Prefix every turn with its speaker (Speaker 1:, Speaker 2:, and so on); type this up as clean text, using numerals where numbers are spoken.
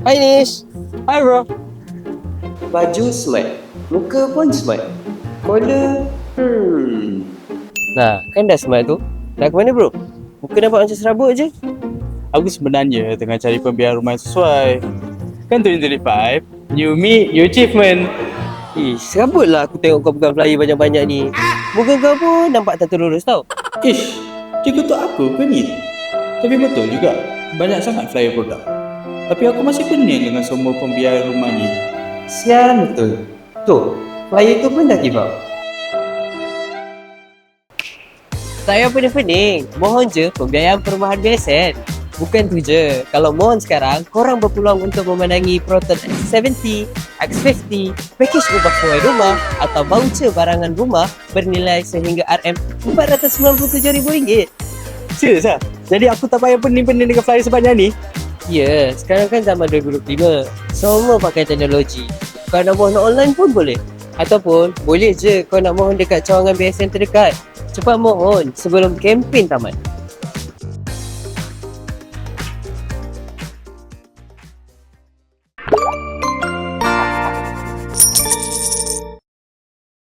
Speaker 1: Hai Nish.
Speaker 2: Hi bro.
Speaker 1: Baju smart, muka pun smart. Collar, Nah, kan dah smart tu. Dah ke mana bro? Muka nampak macam serabut je.
Speaker 2: Aku sebenarnya tengah cari pembiayaan rumah yang sesuai. Kan 2025, new me, new achievement.
Speaker 1: Serabut lah aku tengok kau pegang flyer banyak-banyak ni. Muka kau pun nampak tak terurus tau.
Speaker 2: Ish, dia kutuk aku ke ni? Tapi betul juga, banyak sangat flyer produk. Tapi aku masih pening dengan semua pembiayaan rumah ni.
Speaker 1: Sial betul. Tu, flyer tu pun dah give up. Tak payah pening-pening. Mohon je pembiayaan perumahan BSN. Bukan tu je. Kalau mohon sekarang, korang berpeluang untuk memenangi Proton X70, X50, pakej ubah sesuai rumah atau voucher barangan rumah bernilai sehingga RM497,000.
Speaker 2: Serius lah? Jadi aku tak payah pening-pening dengan flyer sebanyak ni?
Speaker 1: Ya, sekarang kan zaman 2025. Semua pakai teknologi. Kau nak mohon online pun boleh. Ataupun boleh je kau nak mohon dekat cawangan BSN terdekat. Cepat mohon sebelum kempen tamat.